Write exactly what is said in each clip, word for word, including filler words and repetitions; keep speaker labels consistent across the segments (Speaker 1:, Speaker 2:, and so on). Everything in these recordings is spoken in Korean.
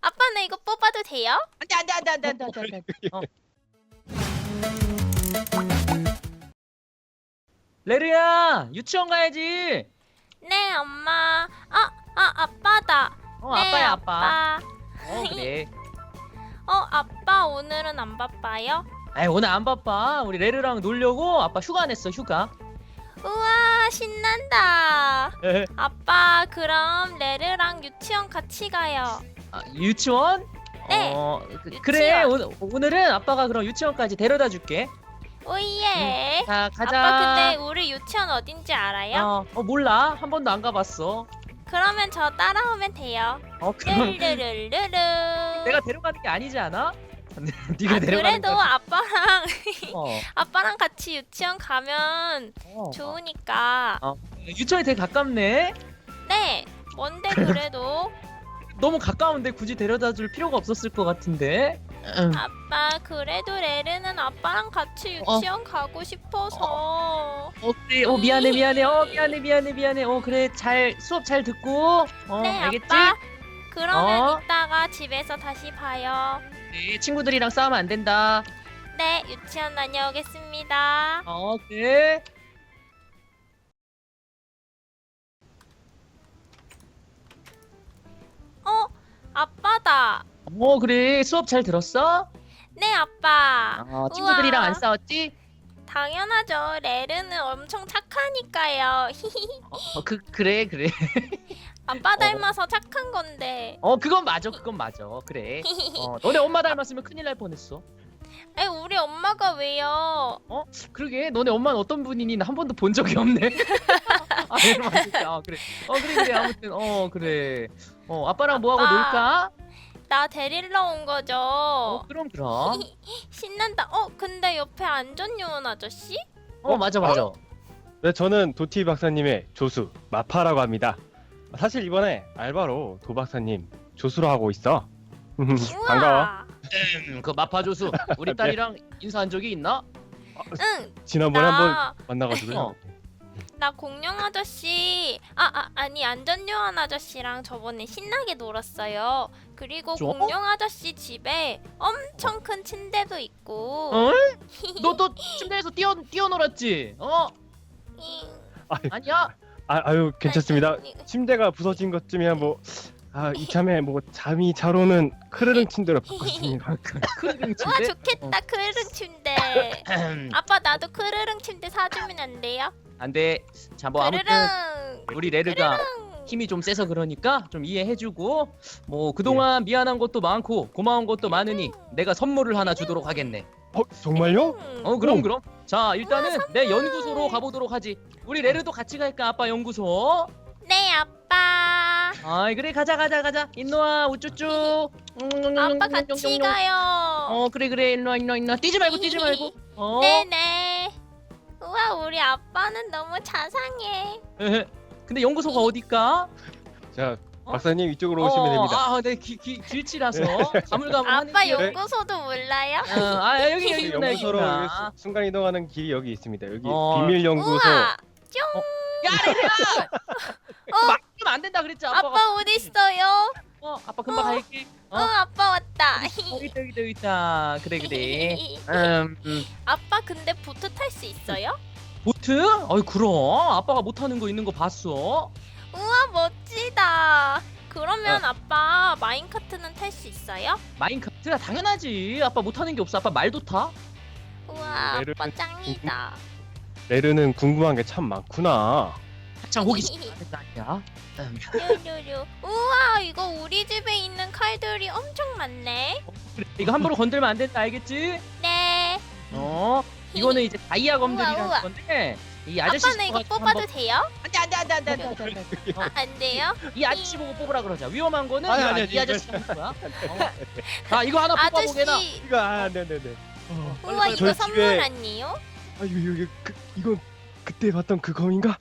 Speaker 1: 아빠 나 이거 뽑아도 돼요?
Speaker 2: 안돼 안돼 안돼 안돼 안돼 안돼. 어. 레르야 유치원 가야지.
Speaker 1: 네 엄마. 아, 아 아빠다.
Speaker 2: 어
Speaker 1: 네,
Speaker 2: 아빠야 아빠.
Speaker 1: 아빠.
Speaker 2: 어 그래.
Speaker 1: 어 아빠 오늘은 안 바빠요?
Speaker 2: 아이 오늘 안 바빠. 우리 레르랑 놀려고 아빠 휴가 냈어 휴가.
Speaker 1: 우와 신난다. 아빠 그럼 레르랑 유치원 같이 가요.
Speaker 2: 아, 유치원?
Speaker 1: 네,
Speaker 2: 어, 그,
Speaker 1: 유치원.
Speaker 2: 그래 오늘, 오늘은 아빠가 그럼 유치원까지 데려다 줄게.
Speaker 1: 오예.
Speaker 2: 자 가자.
Speaker 1: 아빠 근데 우리 유치원 어딘지 알아요?
Speaker 2: 어, 어 몰라 한 번도 안 가봤어.
Speaker 1: 그러면 저 따라오면 돼요.
Speaker 2: 어 그럼
Speaker 1: 르르르르르.
Speaker 2: 내가 데려가는 게 아니지 않아? 네가
Speaker 1: 아,
Speaker 2: 데려가는
Speaker 1: 그래도
Speaker 2: 거지.
Speaker 1: 아빠랑
Speaker 2: 어,
Speaker 1: 아빠랑 같이 유치원 가면
Speaker 2: 어.
Speaker 1: 좋으니까.
Speaker 2: 어, 유치원이 되게 가깝네.
Speaker 1: 네. 뭔데 그래도
Speaker 2: 너무 가까운데 굳이 데려다 줄 필요가 없었을 것 같은데. 음.
Speaker 1: 아빠 그래도 레르는 아빠랑 같이
Speaker 2: 어.
Speaker 1: 유치원 가고 싶어서.
Speaker 2: 어 그래. 어 미안해 미안해. 어 미안해 미안해 미안해. 어 그래 잘 수업 잘 듣고. 어
Speaker 1: 네
Speaker 2: 알겠지?
Speaker 1: 아빠. 그러면
Speaker 2: 어.
Speaker 1: 이따가 집에서 다시 봐요.
Speaker 2: 네 친구들이랑 싸우면 안 된다.
Speaker 1: 네 유치원 다녀오겠습니다.
Speaker 2: 어 그래.
Speaker 1: 어 아빠다.
Speaker 2: 어 그래 수업 잘 들었어?
Speaker 1: 네 아빠.
Speaker 2: 어 친구들이랑
Speaker 1: 우와.
Speaker 2: 안 싸웠지?
Speaker 1: 당연하죠. 레르는 엄청 착하니까요.
Speaker 2: 어 그 그래 그래.
Speaker 1: 아빠 닮아서 착한 건데.
Speaker 2: 어 그건 맞아 그건 맞아. 그래. 어 너네 엄마 닮았으면 큰일 날 뻔했어.
Speaker 1: 아니 우리 엄마가 왜요?
Speaker 2: 그러게 너네 엄마는 어떤 분이니 나 한 번도 본 적이 없네. 아, 이러면 안 되지. 아 그래. 어 그래 그래 아무튼 어 그래. 어 아빠랑 뭐 하고
Speaker 1: 아빠.
Speaker 2: 놀까?
Speaker 1: 나 데리러 온 거죠.
Speaker 2: 어 그럼 그럼.
Speaker 1: 신난다. 어 근데 옆에 안전요원 아저씨?
Speaker 2: 어 맞아 맞아.
Speaker 3: 네, 저는 도티 박사님의 조수 마파라고 합니다. 사실 이번에 알바로 도 박사님 조수로 하고 있어.
Speaker 1: 우와.
Speaker 3: 반가워.
Speaker 2: 음, 그 마파조수 우리 딸이랑 인사한 적이 있나?
Speaker 1: 응.
Speaker 3: 지난번에 한번
Speaker 1: 나,
Speaker 3: 만나가지고요.
Speaker 2: 어.
Speaker 1: 나 공룡 아저씨. 아, 아 아니 안전요원 아저씨랑 저번에 신나게 놀았어요. 그리고
Speaker 2: 저?
Speaker 1: 공룡 아저씨 집에 엄청 큰 침대도 있고.
Speaker 2: 어? 너또 침대에서 뛰어 뛰어놀았지? 어?
Speaker 1: 잉.
Speaker 2: 아니야?
Speaker 3: 아, 아유 괜찮습니다.
Speaker 1: 아니,
Speaker 3: 침대가 부서진 것쯤이야 뭐. 아 이참에 뭐 잠이 잘 오는 크르릉 침대로 바꿨습니다.
Speaker 2: 크르릉
Speaker 1: 우와
Speaker 2: 침대?
Speaker 1: 좋겠다 크르릉 침대. 아빠 나도 크르릉 침대 사주면 안 돼요?
Speaker 2: 안돼. 자 뭐 아무튼
Speaker 1: 크르릉.
Speaker 2: 우리 레르가
Speaker 1: 크르릉.
Speaker 2: 힘이 좀 세서 그러니까 좀 이해해주고 뭐 그동안 미안한 것도 많고 고마운 것도 많으니 내가 선물을 하나 주도록 하겠네.
Speaker 3: 어 정말요?
Speaker 1: 음.
Speaker 2: 어 그럼
Speaker 3: 오.
Speaker 2: 그럼. 자 일단은 내
Speaker 1: 선물.
Speaker 2: 연구소로 가보도록 하지. 우리 레르도 같이 갈까 아빠 연구소?
Speaker 1: 네 아빠.
Speaker 2: 아이 그래 가자 가자 가자. 일로와 우쭈쭈.
Speaker 1: 아빠 같이 가요.
Speaker 2: 어 그래 그래 일로와 일로와 일로와. 뛰지 말고 뛰지 말고. 어.
Speaker 1: 네네. 우와 우리 아빠는 너무 자상해.
Speaker 2: 근데 연구소가 어딜까?
Speaker 3: 자
Speaker 2: 어?
Speaker 3: 박사님 이쪽으로 오시면 됩니다.
Speaker 2: 아, 네, 기, 기, 길치라서 가물가물하네.
Speaker 1: 아빠
Speaker 2: 길.
Speaker 1: 연구소도 몰라요?
Speaker 2: 어, 아, 여기 여기 있구나, 여기
Speaker 3: 연구소로
Speaker 2: 있구나.
Speaker 3: 여기 수- 순간 이동하는 길이 여기 있습니다. 여기
Speaker 2: 어.
Speaker 3: 비밀 연구소.
Speaker 1: 우와.
Speaker 2: 야, 레리야!
Speaker 1: 어?
Speaker 2: 막으면 안 된다 그랬지, 아빠가.
Speaker 1: 아빠 어디 있어요?
Speaker 2: 어, 아빠 금방
Speaker 1: 어.
Speaker 2: 갈게.
Speaker 1: 어,
Speaker 2: 어,
Speaker 1: 아빠 왔다.
Speaker 2: 여기 있다, 여기 있다, 여기 있다. 그래, 그래. 음, 음.
Speaker 1: 아빠 근데 보트 탈 수 있어요?
Speaker 2: 보트? 어이, 그럼. 아빠가 못하는 거 있는 거 봤어?
Speaker 1: 우와 멋지다. 그러면
Speaker 2: 어.
Speaker 1: 아빠 마인카트는 탈 수 있어요?
Speaker 2: 마인크래프트? 당연하지. 아빠 못하는 게 없어. 아빠 말도 타.
Speaker 1: 우와
Speaker 3: 레르-
Speaker 1: 아빠 짱이다.
Speaker 3: 레르는 궁금한 게 참 많구나.
Speaker 2: 한창 호기심 많은 거 아니야? 음.
Speaker 1: 류류류. 우와 이거 우리 집에 있는 칼들이 엄청 많네.
Speaker 2: 그래, 이거 함부로 건들면 안 된다, 알겠지?
Speaker 1: 네.
Speaker 2: 어, 이거는 이제 다이아
Speaker 1: 우와,
Speaker 2: 검들이라는
Speaker 1: 우와.
Speaker 2: 건데 이 아저씨
Speaker 1: 아빠 나 이거
Speaker 2: 집어가지고
Speaker 1: 뽑아도
Speaker 2: 한번-
Speaker 1: 돼요?
Speaker 2: 안돼 안돼 안돼 안돼 안돼 안돼 안돼.
Speaker 1: 아, 안 돼요?
Speaker 2: 이 아저씨 보고 뽑으라 그러자. 위험한 거는
Speaker 3: 아니,
Speaker 2: 야,
Speaker 3: 아니,
Speaker 2: 이
Speaker 3: 아니,
Speaker 2: 아저씨 하는 거야. 어. 아 이거 하나 뽑아보게나.
Speaker 1: 아저씨.
Speaker 3: 이거 아 네네네.
Speaker 1: 우와 이거
Speaker 3: 저희
Speaker 1: 선물
Speaker 3: 집에-
Speaker 1: 아니에요?
Speaker 3: 아 이거 이거 그, 이건 그때 봤던 그 검인가?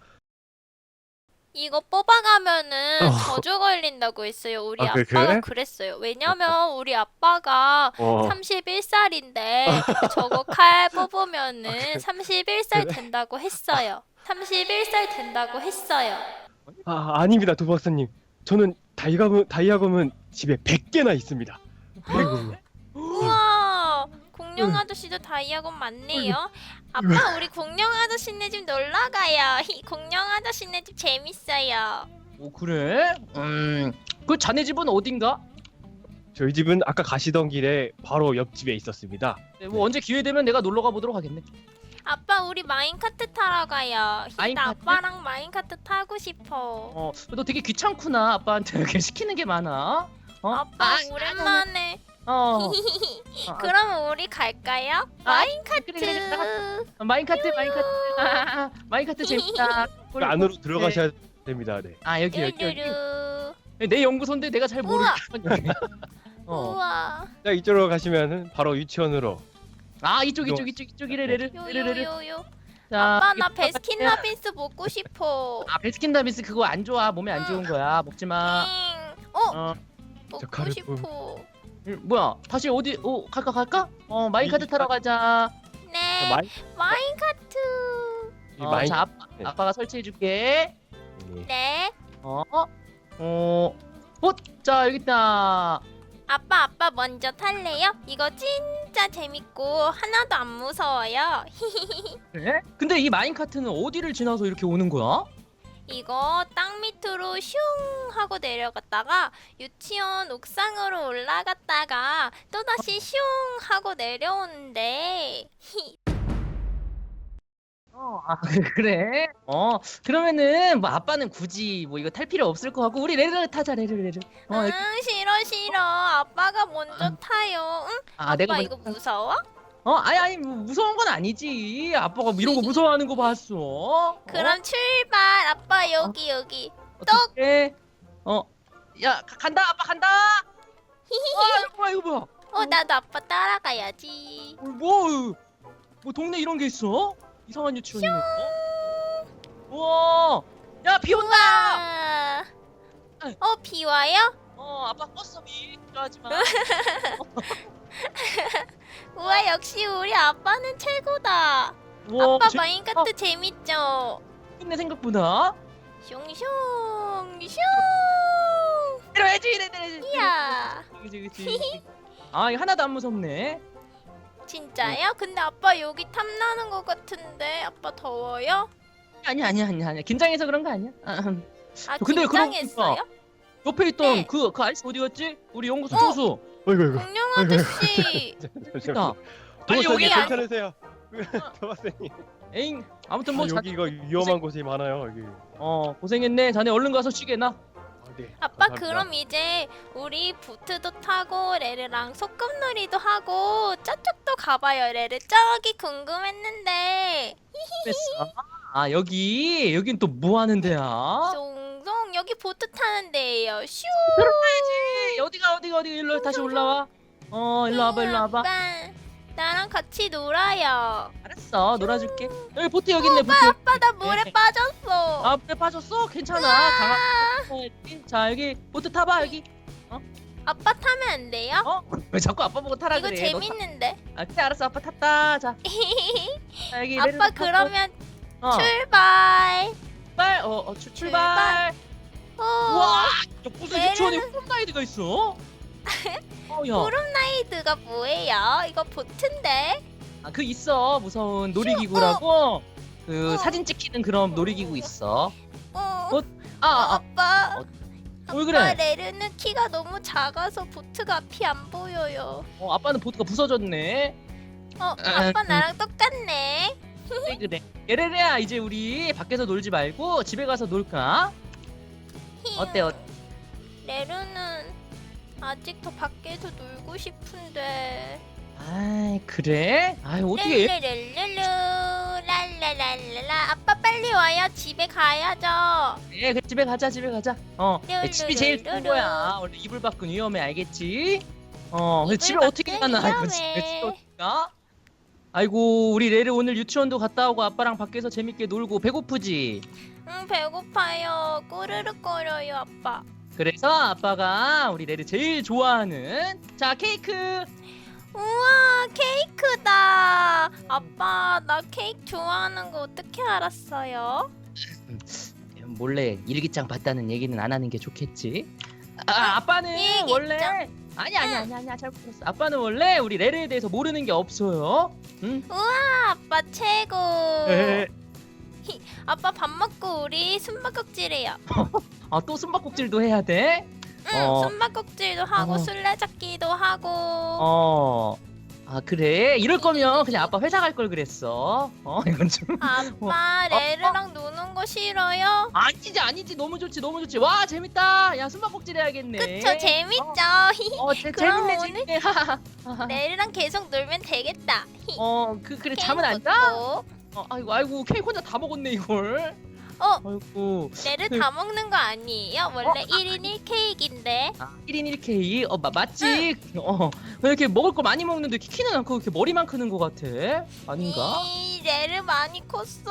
Speaker 1: 이거 뽑아가면은
Speaker 3: 어.
Speaker 1: 저주 걸린다고 했어요. 우리
Speaker 3: 아,
Speaker 1: 아빠가
Speaker 3: 그- 그래?
Speaker 1: 그랬어요. 왜냐면 우리 아빠가
Speaker 3: 어.
Speaker 1: 삼십일 살인데 저거 칼 뽑으면은
Speaker 3: 아, 그-
Speaker 1: 삼십일 살
Speaker 3: 그래?
Speaker 1: 된다고 했어요. 삼십일 살 된다고 했어요.
Speaker 3: 아 아닙니다 도 박사님. 저는 다이아검은 다이아검은 집에 백 개나 있습니다. 아이고.
Speaker 1: 우와, 공룡 아저씨도 다이아곤 많네요. 아빠, 우리 공룡 아저씨네 집 놀러 가요. 히, 공룡 아저씨네 집 재밌어요.
Speaker 2: 오 그래? 음그 자네 집은 어딘가?
Speaker 3: 저희 집은 아까 가시던 길에 바로 옆집에 있었습니다.
Speaker 2: 네, 뭐 언제 기회 되면 내가 놀러 가보도록 하겠네.
Speaker 1: 아빠, 우리 마인카트 타러 가요. 히, 나
Speaker 2: 마인카트?
Speaker 1: 아빠랑 마인카트 타고 싶어.
Speaker 2: 어너 되게 귀찮구나. 아빠한테 이렇게 시키는 게 많아. 어?
Speaker 1: 아빠,
Speaker 2: 아,
Speaker 1: 오랜만에.
Speaker 2: 어. 아,
Speaker 1: 그럼 우리 갈까요?
Speaker 2: 아,
Speaker 1: 마인카트.
Speaker 2: 그래, 그래, 그래. 아, 마인카트 마인카트 아, 아, 아, 마인카트 재밌다.
Speaker 3: 그 안으로 들어가셔야 됩니다. 네.
Speaker 2: 아 여기 여기 여기.
Speaker 1: 뚜루루.
Speaker 2: 내 연구소인데 내가 잘 모르겠어. 어.
Speaker 1: 우와.
Speaker 3: 자, 이쪽으로 가시면은 바로 유치원으로.
Speaker 2: 아 이쪽 이쪽 이쪽 이쪽 이래래를 이래래를.
Speaker 1: 요요요요.
Speaker 2: 자,
Speaker 1: 아빠, 나
Speaker 2: 이쪽
Speaker 1: 베스킨라빈스 먹고 싶어.
Speaker 2: 아 베스킨라빈스 그거 안 좋아. 몸에 안 좋은 거야. 먹지 마.
Speaker 1: 응. 어,
Speaker 2: 어.
Speaker 1: 먹고
Speaker 3: 가루
Speaker 1: 싶어.
Speaker 2: 음, 뭐야? 다시 어디? 어 갈까 갈까? 어 마인카트 타러 가자.
Speaker 1: 네.
Speaker 3: 마이,
Speaker 1: 마인카트.
Speaker 3: 이
Speaker 2: 어,
Speaker 3: 마인.
Speaker 2: 자 아빠,
Speaker 3: 네.
Speaker 2: 아빠가 설치해 줄게.
Speaker 3: 네.
Speaker 1: 네.
Speaker 2: 어. 어. 어. 자 여기 있다.
Speaker 1: 아빠, 아빠 먼저 탈래요? 이거 진짜 재밌고 하나도 안 무서워요.
Speaker 2: 그래? 근데 이 마인카트는 어디를 지나서 이렇게 오는 거야?
Speaker 1: 이거 땅 밑으로 슝 하고 내려갔다가 유치원 옥상으로 올라갔다가 또다시 슝 하고 내려오는데
Speaker 2: 어, 아, 그래? 어, 그러면은 뭐 아빠는 굳이 뭐 이거 탈 필요 없을 것 같고 우리 레르 타자 레르 레르. 어,
Speaker 1: 응,
Speaker 2: 이렇게-
Speaker 1: 싫어 싫어. 아빠가 먼저 타요. 응?
Speaker 2: 아,
Speaker 1: 아빠
Speaker 2: 내가
Speaker 1: 이거
Speaker 2: 먼저-
Speaker 1: 무서워?
Speaker 2: 어, 아니 아니 뭐 무서운 건 아니지. 아빠가 뭐 이런 거 무서워하는 거 봤어.
Speaker 1: 그럼 출발. 아빠 여기 여기.
Speaker 2: 어떻게? 어, 야 가- 간다 아빠 간다. 아, 이거 뭐야 이거 뭐야?
Speaker 1: 어, 나도 아빠 따라가야지.
Speaker 2: 어, 뭐, 뭐 동네 이런 게 있어? 이상한 유치원이네. 어? 우와, 야 비 온다.
Speaker 1: 우와. 어, 비 와요?
Speaker 2: 어, 아빠 껐어 비. 좋아하지 마.
Speaker 1: 우와, 역시 우리 아빠는 최고다.
Speaker 2: 우와,
Speaker 1: 아빠
Speaker 2: 재-
Speaker 1: 마인카트 재밌죠?
Speaker 2: 재밌네 생각보다.
Speaker 1: 슝슝 슝.
Speaker 2: 이래야지 이래야지.
Speaker 1: 이야.
Speaker 2: 그치 그치. 아 이거 하나도 안 무섭네.
Speaker 1: 진짜요? 근데 아빠 여기 탐나는 것 같은데 아빠 더워요?
Speaker 2: 아니야 아니야 아니야 아니야. 긴장해서 그런 거 아니야. 아, 음.
Speaker 1: 아,
Speaker 2: 근데 그러고
Speaker 1: 긴장했어요?
Speaker 2: 옆에 있던
Speaker 1: 네.
Speaker 2: 그 그 아저씨 어디 갔지? 우리 연구소
Speaker 1: 어?
Speaker 2: 조수.
Speaker 3: 어이구 어이구.
Speaker 1: 공룡 아저씨.
Speaker 2: 있다.
Speaker 3: 도마쌤님
Speaker 1: 여기 안-
Speaker 3: 괜찮으세요? 도마쌤님.
Speaker 2: 에잉 아무튼
Speaker 3: 아,
Speaker 2: 뭐 자,
Speaker 3: 여기 이거 위험한 곳이 많아요 여기.
Speaker 2: 어 고생했네. 자네 얼른 가서 쉬게나.
Speaker 3: 아, 네.
Speaker 1: 아빠
Speaker 3: 감사합니다.
Speaker 1: 그럼 이제 우리 보트도 타고 레르랑 소꿉놀이도 하고 저쪽도 가봐요. 레르 저기 궁금했는데.
Speaker 2: 됐어. 아 여기 여긴 또 뭐 하는 데야?
Speaker 1: 송송 여기 보트 타는 데예요. 슈.
Speaker 2: 들어가야지. 어디가 어디가 어디가 일로 다시 올라와. 어 일로 와봐 일로 와봐.
Speaker 1: 아빠, 나랑 같이 놀아요.
Speaker 2: 알았어 놀아줄게. 여기 보트 여기 있네 보트.
Speaker 1: 아빠 나 물에
Speaker 2: 네.
Speaker 1: 빠졌어.
Speaker 2: 아 물에 빠졌어? 괜찮아. 강아. 자 여기 보트 타봐 여기.
Speaker 1: 아빠 타면 안 돼요?
Speaker 2: 어? 왜 자꾸 아빠 보고 타라
Speaker 1: 이거
Speaker 2: 그래? 너
Speaker 1: 재밌는데.
Speaker 2: 타- 아 그래 알았어 아빠 탔다. 자, 자 여기
Speaker 1: 아빠
Speaker 2: 레르도 타고.
Speaker 1: 그러면
Speaker 2: 어,
Speaker 1: 출발.
Speaker 2: 출발. 어, 어 출, 출발.
Speaker 1: 어,
Speaker 2: 우와. 야, 무슨
Speaker 1: 레르는-
Speaker 2: 유치원에 홈라이드가 있어? 어 야.
Speaker 1: 푸른라이드가 뭐예요? 이거 보트인데.
Speaker 2: 아 그 있어 무서운 놀이기구라고. 그
Speaker 1: 어.
Speaker 2: 사진 찍히는 그런 놀이기구 있어.
Speaker 1: 어.
Speaker 2: 어? 아, 아,
Speaker 1: 아빠.
Speaker 2: 어,
Speaker 1: 아빠
Speaker 2: 왜 그래?
Speaker 1: 레르는 키가 너무 작아서 보트가 앞이 안 보여요.
Speaker 2: 어 아빠는 보트가 부서졌네.
Speaker 1: 어,
Speaker 2: 아,
Speaker 1: 아빠
Speaker 2: 음.
Speaker 1: 나랑 똑같네.
Speaker 2: 그래 그래. 예레레야 이제 우리 밖에서 놀지 말고 집에 가서 놀까? 어때, 어때?
Speaker 1: 레르는 아직 더 밖에서 놀고 싶은데.
Speaker 2: 아 그래? 아 어떻게?
Speaker 1: 렐레렐레르 랄랄랄랄라. 아빠 빨리 와요. 집에 가야죠.
Speaker 2: 네, 그래 집에 가자 집에 가자. 어
Speaker 1: 르르르르르.
Speaker 2: 집이 제일 좋은 거야. 원래 이불 밖은 위험해 알겠지? 어 근데
Speaker 1: 이불
Speaker 2: 집에 어떻게
Speaker 1: 밖은
Speaker 2: 가나 이거
Speaker 1: 위험해.
Speaker 2: 집에 집에 어떻게 가? 아이고 우리 레르 오늘 유치원도 갔다 오고 아빠랑 밖에서 재밌게 놀고 배고프지?
Speaker 1: 응, 배고파요. 꼬르륵거려요, 아빠.
Speaker 2: 그래서 아빠가 우리 레르 제일 좋아하는 자 케이크.
Speaker 1: 우와, 케이크다. 아빠, 나 케이크 좋아하는 거 어떻게 알았어요?
Speaker 2: 몰래 일기장 봤다는 얘기는 안 하는 게 좋겠지. 아, 아빠는
Speaker 1: 얘기했죠.
Speaker 2: 원래 아니 아니 아니 아니야 잘못 들었어. 아빠는 원래 우리 레르에 대해서 모르는 게 없어요. 응?
Speaker 1: 아빠 최고.
Speaker 3: 에,
Speaker 1: 아빠 밥 먹고 우리 숨바꼭질해요.
Speaker 2: 아, 또 숨바꼭질도 해야 돼?
Speaker 1: 응,
Speaker 2: 어.
Speaker 1: 숨바꼭질도 하고
Speaker 2: 어.
Speaker 1: 술래잡기도 하고.
Speaker 2: 어. 아, 그래? 이럴 거면 그냥 아빠 회사 갈 걸 그랬어. 어, 이건 좀.
Speaker 1: 아빠 레르랑 노는 거 싫어요?
Speaker 2: 아니지, 아니지. 너무 좋지, 너무 좋지. 와, 재밌다. 야, 숨바꼭질 해야겠네.
Speaker 1: 그쵸, 재밌죠?
Speaker 2: 어, 재,
Speaker 1: 그럼
Speaker 2: 재밌네,
Speaker 1: 오늘-
Speaker 2: 재밌네. 하하하.
Speaker 1: 레르랑 계속 놀면 되겠다.
Speaker 2: 어, 그, 그래,
Speaker 1: 케이크
Speaker 2: 잠은 안 자?
Speaker 1: 먹고.
Speaker 2: 어, 아이고, 아이고, 케이크 혼자 다 먹었네, 이걸.
Speaker 1: 어,
Speaker 2: 아이고.
Speaker 1: 레르 다 먹는 거 아니에요? 원래 일 인 일 케이크인데.
Speaker 2: 아, 일 인 일 케이? 어, 마, 맞지? 어, 왜 이렇게 먹을 거 많이 먹는데 키는 않고 이렇게 머리만 크는 거 같아? 아닌가?
Speaker 1: 이, 레르 많이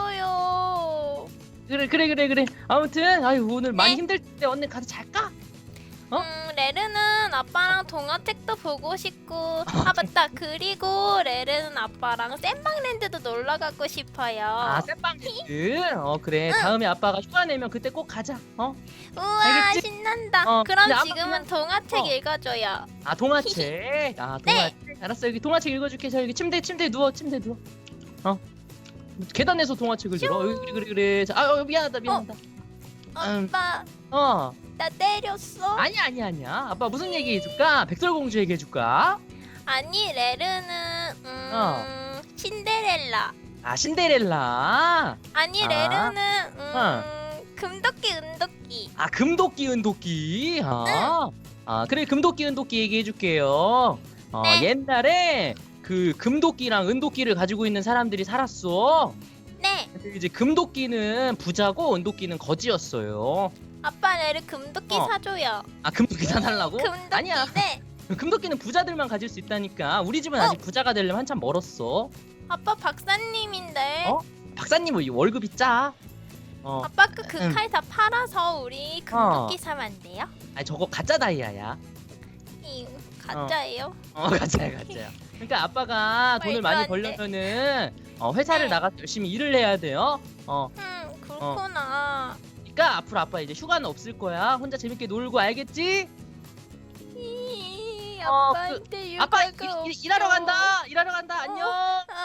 Speaker 1: 컸어요.
Speaker 2: 그래, 그래, 그래, 그래. 아무튼, 아유, 오늘 많이
Speaker 1: 네.
Speaker 2: 힘들 때 언니 가서 잘까? 어?
Speaker 1: 음, 레르는 아빠랑 동화책도 보고 싶고. 아, 맞다. 그리고 레르는 아빠랑 샌방랜드도 놀러 가고 싶어요.
Speaker 2: 아, 쌤빵들. 어, 그래. 다음에 아빠가 휴가 내면 그때 꼭 가자. 어?
Speaker 1: 우와,
Speaker 2: 알겠지?
Speaker 1: 신난다.
Speaker 2: 어,
Speaker 1: 그럼
Speaker 2: 근데 아빠
Speaker 1: 지금은
Speaker 2: 그냥-
Speaker 1: 동화책
Speaker 2: 어.
Speaker 1: 읽어줘요.
Speaker 2: 아, 동화책. 아, 동화책. 알았어. 여기 동화책 읽어줄게. 자, 여기 침대, 침대 누워. 침대 누워. 어? 계단에서 동화책을 들어. 여기, 그래, 그래, 그래. 자, 아, 어, 미안하다, 미안하다. 음.
Speaker 1: 아빠,
Speaker 2: 어.
Speaker 1: 나 때렸어?
Speaker 2: 아니야, 아니야, 아니야. 아빠 무슨 얘기 해줄까? 백설공주 얘기 해줄까?
Speaker 1: 아니, 레르는 음,
Speaker 2: 어.
Speaker 1: 신데렐라.
Speaker 2: 아, 신데렐라.
Speaker 1: 아니,
Speaker 2: 아.
Speaker 1: 레르는 음,
Speaker 2: 어.
Speaker 1: 금도끼 은도끼.
Speaker 2: 아, 금도끼 은도끼. 아, 아 그래, 금도끼 은도끼 얘기해 줄게요. 어,
Speaker 1: 네.
Speaker 2: 옛날에 그 금도끼랑 은도끼를 가지고 있는 사람들이 살았어.
Speaker 1: 네,
Speaker 2: 근데 이제 금도끼는 부자고 은도끼는 거지였어요.
Speaker 1: 아빠 레르 금도끼
Speaker 2: 어.
Speaker 1: 사줘요.
Speaker 2: 아, 금도끼 사달라고?
Speaker 1: 금도끼.
Speaker 2: 아니야.
Speaker 1: 네.
Speaker 2: 금도끼는 부자들만 가질 수 있다니까. 우리 집은
Speaker 1: 어.
Speaker 2: 아직 부자가 되려면 한참 멀었어.
Speaker 1: 아빠 박사님인데.
Speaker 2: 어? 박사님 뭐 월급이 짜. 어,
Speaker 1: 아빠 그 그
Speaker 2: 응.
Speaker 1: 칼 다 팔아서 우리 금도끼 사면 안 돼요?
Speaker 2: 아니 저거 가짜 다이아야.
Speaker 1: 이 가짜예요?
Speaker 2: 어, 가짜야, 가짜야. 그러니까 아빠가 돈을
Speaker 1: 말도
Speaker 2: 많이
Speaker 1: 안 돼.
Speaker 2: 벌려면은 어, 회사를
Speaker 1: 네.
Speaker 2: 나가서 열심히 일을 해야 돼요. 어,
Speaker 1: 음, 그렇구나.
Speaker 2: 그러니까 앞으로 아빠 이제 휴가는 없을 거야. 혼자 재밌게 놀고 알겠지?
Speaker 1: 이,
Speaker 2: 어,
Speaker 1: 아빠한테
Speaker 2: 아빠
Speaker 1: 육아가
Speaker 2: 일, 일,
Speaker 1: 없어.
Speaker 2: 일하러 간다. 일하러 간다. 안녕.
Speaker 1: 아,